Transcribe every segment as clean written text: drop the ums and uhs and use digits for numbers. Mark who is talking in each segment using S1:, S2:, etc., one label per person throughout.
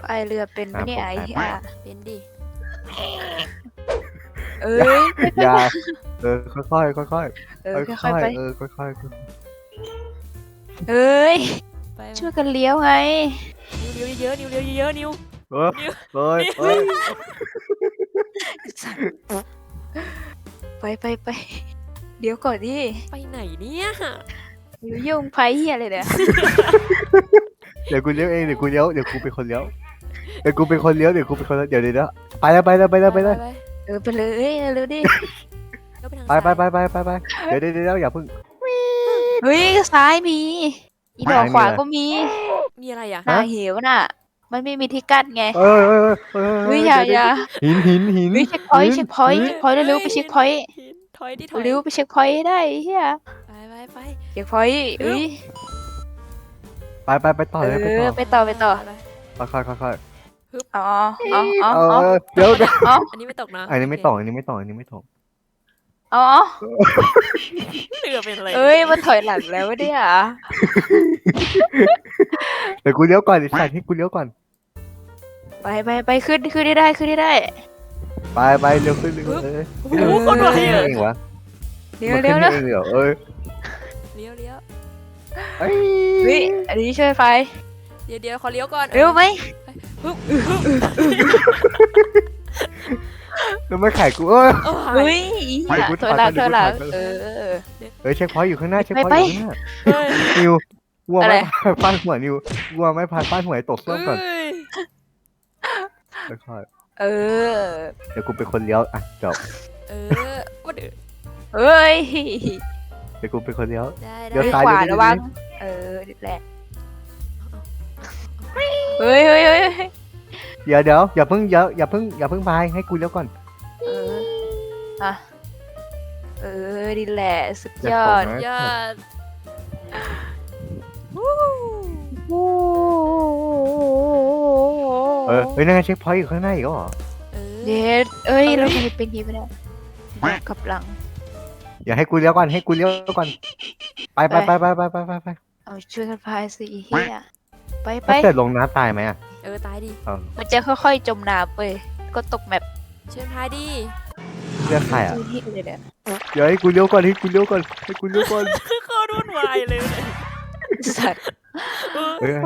S1: ายเรือเป็นไหมเนี่ยไอ้ที่
S2: เป็นดิ
S1: เอ้ย
S3: อย่าค่อยๆค่อยๆค่อยๆ
S1: ค่อยๆไป
S3: ค่อย
S1: เอ้ย
S2: ไป
S1: ช่วยกันเลี้ยวไง
S2: นิ้วเยอะนิ้วเยอะนิ้ว
S3: ๆเฮ้ย
S1: ไปเดี๋ยวก่อนดิ
S2: ไปไหนเนี่ย
S1: อยู่ยุ่งไฟเฮียเลยเนี่ย
S3: เดี๋ยวกูเลี้ยวเองเดี๋ยวกูเป็นคนเลี้ยวเดี๋ยวไปแล้วไปเลย
S1: ไปเลยเร็วดิ
S3: ไปเดี๋ยวอย่าเพิ่ง
S1: เฮ้ยซ้ายมีอีดอกขวาก็มี
S2: มีอะไรอ่ะ
S1: หน้าเหวน่ะ มันไม่มีที่กั้นไง
S3: เ
S1: เฮ้ยอย่า
S3: หิน
S1: เฮ้ยเช็คพอยต์เร็วไปเช็คพอยต์
S2: ถอยดิถอย
S1: เร็วไปเช็คพอยต์ได้เฮีย
S2: ไป
S1: เช็คพอยต์เอ้ย
S3: ไปต่อเลย
S1: ไปต่อ
S3: ค่อย
S1: อ๋อ
S3: เดี๋ยว
S2: อันนี้ไม่ตกนะ
S3: อันนี้ไม่ตก
S1: อ๋อ
S2: เรือเป็นอะไร
S1: เอ้ยมันถอยหลังแล้วเนี่ย
S3: เดี๋ยวกูเลี้ยวก่อนใส่ให้กูเลี้ยวก่อน
S1: ไปขึ้นได้
S3: ไปเร็วขึ้นเลย
S2: โอ้โหคนไวอ่ะ
S3: เองวะ
S1: เร็วเร็ว
S3: เองเหรอเอ้ย
S2: เลี้ยว
S1: เฮ้ยอันนี้ช่วยไฟ
S2: เดี๋ยวขอเลี้ยวก่อน
S1: เร็วไหม
S3: แล้วไม่ขายกู
S1: เฮ้ยถอยหลัง
S3: เช็คพอยต์อยู่ข้างหน้านิววัวไม่พาดหัวนิววัวไม่พาดหัวตกส้วมก่อนค่อย
S1: เ
S3: เดี๋ยวกูเป็นคนเลี้ยวอ่ะจบ
S2: ว่าเดือ
S1: เฮ้ย
S3: เดี๋ยวกูเป็นคนเลี้ยว
S2: ได้
S1: ขวาระวังแหละเฮ้ย
S3: เดี๋ยวอย่าเพิ่งพายให้กูเลี้ยวก่อน
S1: ดีแหละสุดยอด
S2: ยอด
S3: เฮ้ยนั่นเช็คพอยต์อยู่ข้างหน้าอีกเหรอ
S1: เด็ดเราทำไมเป็นนี้ไม่ได้กับหลัง
S3: อย่าให้กูเลี้ยวก่อนไป
S1: เอาช่วยกันพายสิเฮียไป
S3: ถ้าเกิดลงน้ำตายไหมอ่ะ
S2: ตายดิ
S1: มันจะค่อยๆจมน้ำไปก็ตกแมป
S2: เชิญพายดิ
S3: เลือกใครอ่ะ
S1: ที่เลยเนี่ย
S3: เดี๋ยวให้กูเลี้ยวก่อน
S2: เขารุ่นวายเลย
S1: สัตว์
S3: เฮ้ย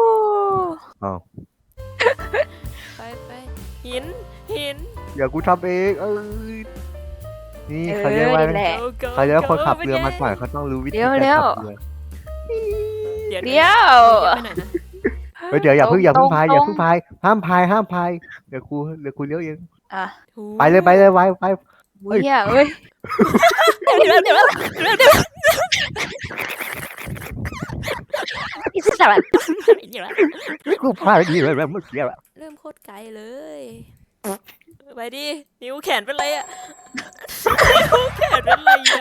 S2: ไปหิน
S3: อย่ากูทำเองนี่เขาเรียกว่าคนขับเรือมาก่อนเขาต้องรู้วิธีการขับเรือ
S1: เดี๋ยว
S2: ไปไหนนะ
S3: เดี๋ยวอย่าเพิ่งพายห้ามพายเดี๋ยวกูเลี้ยวเองไปเลยไป
S1: เฮียเอ้ย
S2: เดี๋ยว
S1: อิสระ
S3: กูพายดีเลยเมื่อกี้
S2: เริ่มโคตรไกลเลยไปดินิ้วแขนเป็นไรอ่ะแขนเป็นไรอ่ะ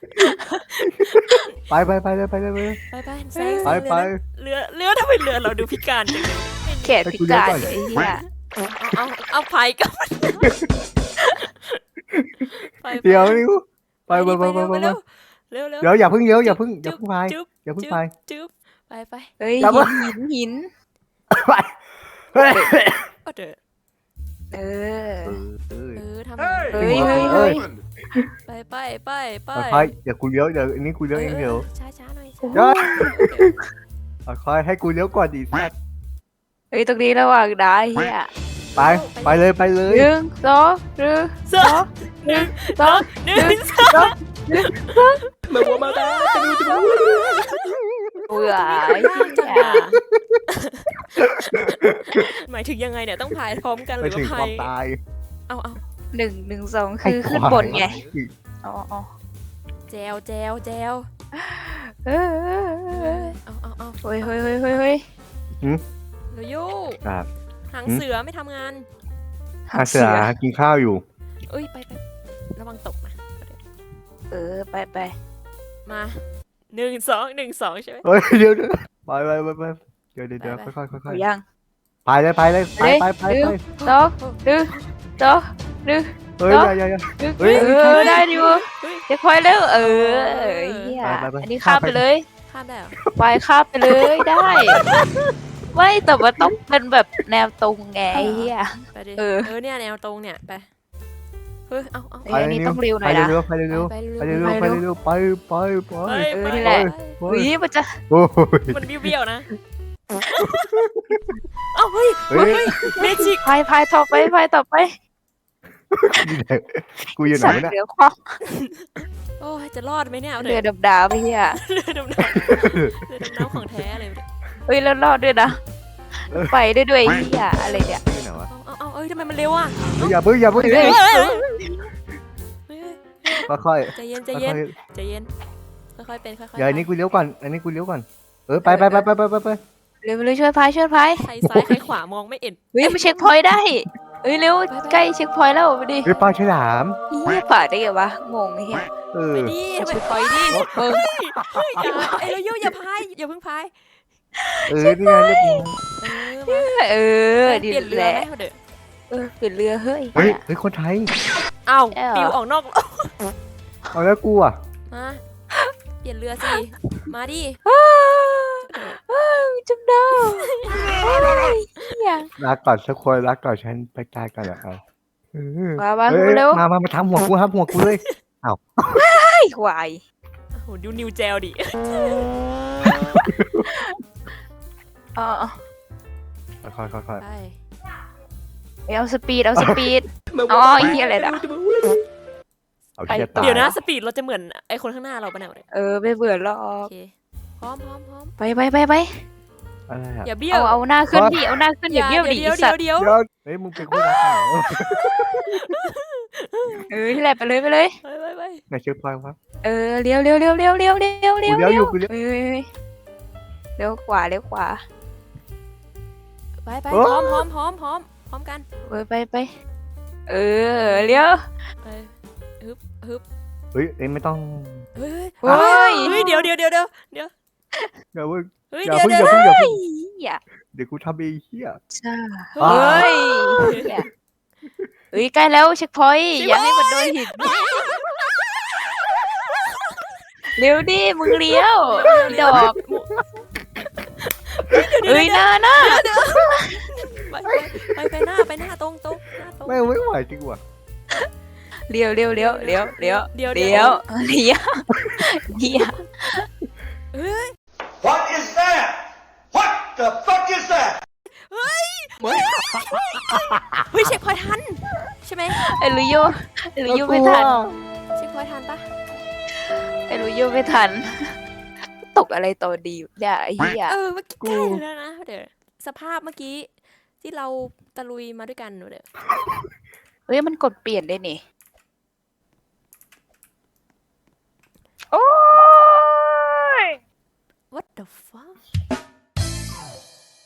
S3: ไปเลย
S2: ไปเรือทำไมเรือเราดูพิการจังเลย
S1: แขนพิการไอ้เหี้ย
S2: เอาพายกัน
S3: เดี๋ยวนิวไป
S2: เร็ว
S3: เดี๋ยวอย่าเพิ่งพาย
S2: จึ๊บไป
S1: เฮ้ยหิน
S3: ไปเฮ้ย
S2: ทำ
S1: เฮ้ย
S2: ไป
S3: เดี๋ยวกูเลี้ยวเดี๋ยวนี้กูเลี้ยวเองเดี๋ยว
S2: ช้าหน่อย
S3: คอยให้กูเลี้ยวก่อนดิสัตว์
S1: เฮ้ยตรงนี้ระหว่างได้เฮีย
S3: ไปเลย
S1: 1 2
S2: มาบัวมาตาจะดู
S1: เบื่อ
S2: หมายถึงยังไงเนี่ยต้องพายพร้อมกันห
S3: ไป
S2: รือ
S3: ถึง
S2: ว่า
S3: ค
S2: พาว
S3: าม
S2: ย
S3: ตาย
S2: เอา
S1: 1 2คือขึ้นบนไงอ๋อ
S2: แจวเอา
S1: เฮ้ย
S2: เราโย่
S3: ครับ
S2: หางเสือไม่ทำงาน
S3: เสือกินข้าวอยู่
S2: ไประวังตกนะ
S1: ไป
S2: มา1 2 ใช่ไหม
S3: เฮ้ยเดี๋ยวไปเดี๋ยวค่อย
S1: ยัง
S3: ไปเลยไป
S1: 2 1 2 1
S3: เฮ้ย
S1: ได้ดิวเดี๋ยวคอยเร็วเฮียอันนี้ข้ามไปเลย
S2: ข้ามได้เหรอ
S1: ไปข้ามไปเลยได้ไม่แต่ว่าต้องเป็นแบบแนวตรงไงไอ้เหี้ย
S2: ไปดิ
S1: เออ
S2: เนี่ยแนวตรงเนี่ยไปเฮ้ยเอา
S1: เอ้ยอันนี้ต้องเร็วหน่อยนะ
S3: ไปเร็ว
S2: ไป
S3: ไปเร็วไปเร็วไปไป
S1: เออนี่แหละ
S3: ไป
S1: อุ้ยมันจะ
S3: โอ้ย
S2: มันเบี้ยวๆนะเอ้าเฮ้ย
S3: เฮ้ย
S2: เมจิก
S1: พายต่อไป
S3: กูอยู่ไหน
S1: สั่ง
S3: เนี่ย
S1: เรือคว้า
S2: โอ้ยจะรอดไหมเนี่ยเอา
S1: เรือ
S2: เดี๋ยว
S1: ดำดาวไปเหี้ย
S2: เรือดำน้ำเรือดำน้ำของแท้เลยเนี่ย
S1: เฮ้ยแล้วรอดด้วยนะไปได้ด้วยไอ้เหี้ยอะไรเนี่ย
S3: ที่ไหนวะ
S2: เอาเอ้ยทำไมมันเร็วอ่ะ
S3: อย่าเพิ่ง
S2: เฮ้ย
S3: ค่อย
S2: ใจเย็น
S3: ๆ
S2: ใจเย็นใจเย็นค่อยๆเป็นค่อยๆ
S3: เดี๋ยวอันนี้กูเลี้ยวก่อนไป
S1: เร็วช่วยพาย
S2: ใครซ้ายใครขวามองไม่เห็น
S1: เฮ้ยมาเช็คพอยต์ได้เฮ้ยเร็วใกล้เช็คพอยต์แล้วไปดิ
S3: เฮ้ยปลาฉลาม
S1: เหี้ยผ่านได้ไงวะงงไอ้เหี้ย
S3: เออ
S2: ไปดิ
S1: เช็คพอยต์ดิเออ
S2: เฮ้ยอย่าไอ้เราโยอย่าพายอย่าเพิ่งพาย
S3: นี่ไงเรียบร้อย
S2: เออ
S1: ดี
S2: เปลี่ยนเรือ
S1: แหละ
S2: ไหมเดี๋ยว
S1: เปลี่ยนเรือเฮ้ย
S3: เฮ้ยคนไทย
S2: อ้าว
S1: ใช่เหรอ
S2: ปิวออกนอก
S3: เอาแล้วกูอ่ะ
S2: มาเปลี่ยนเรือสิมาดิ
S1: จำได้อย่า
S3: รักก่อนสักคนรักก่อนฉันไปตายก่อนเหรอเอา
S1: มาเร็ว
S3: มาทำหัวกูเลย
S1: ไอ้ควาย
S2: โอ้โหดูนิวเจลดิ
S1: อ๋อ
S3: ค่อย
S2: ไป
S1: เอาสปีดอ๋อไอ้เหี้ยอะไรล่ะ
S3: เอาเชียตาย
S2: เดี๋ยวนะสปีดเราจะเหมือนไอ้คนข้างหน้าเราปะเนี่ย
S1: ไม่เบื่อหรอ
S2: โอก เคพร้อม
S1: ไป
S3: อะไรอ่ะ
S2: อย่าเบี้ยว
S1: เอาหน้าขึ้นดิเอาหน้าขึ้นอย่าเบี้ยวดิ
S2: เดี๋ยว
S1: สัตว์
S3: เฮ้ยมึงเป็นคู่รักเหรอ
S1: นี่แหละไปเลย
S2: ไป
S3: ไหนเช็คพอยต์วะ
S1: เลี้ยว
S3: กูเลี้ยวอยู่กูเลี้ยว
S1: เลี้ยวขวา
S2: ไป
S3: โอ้
S2: พร้อมกัน
S1: ไปเลี้ยว
S2: ไปฮึบ
S3: เฮ้ยไม่ต้อง
S2: เฮ้ย
S1: โอ้ย
S2: เดี๋ยว
S3: อย่าเพิ่ง
S2: เฮ้ย
S3: อย่า
S2: เดี๋ยว
S3: เพิ่ง
S2: เดี๋ยว
S1: อย่า
S3: เดี๋ยวกูทำเองเฮีย
S1: จ้า
S3: อ้าว
S1: ใกล้แล้วเช็คพอยต์อย่าให้มันโดนหินเร็วดิมึงเลี้ยวดอกหน้า
S2: ไปหน้าตรงหน้าตรง
S3: ไม่ไหวจริงว่ะ
S1: เลี้ยว
S2: เดี๋ยว
S4: What is that? What the fuck is that?
S2: เฮ้ยเช็คพอยทันใช่ไหม
S1: ไอ้ลุยโยไม่ทัน
S2: เช็คพอยทันปะ
S1: ไอ้ลุยโยไม่ทัน ตกอะไรต่อดีเนี่ยไอ้เหี้ย
S2: เมื่อกี้ใกล้แล้วนะเดี๋ยวสภาพเมื่อกี้ที่เราตะลุยมาด้วยกันเดี๋ยว
S1: มันกดเปลี่ยนได้นี่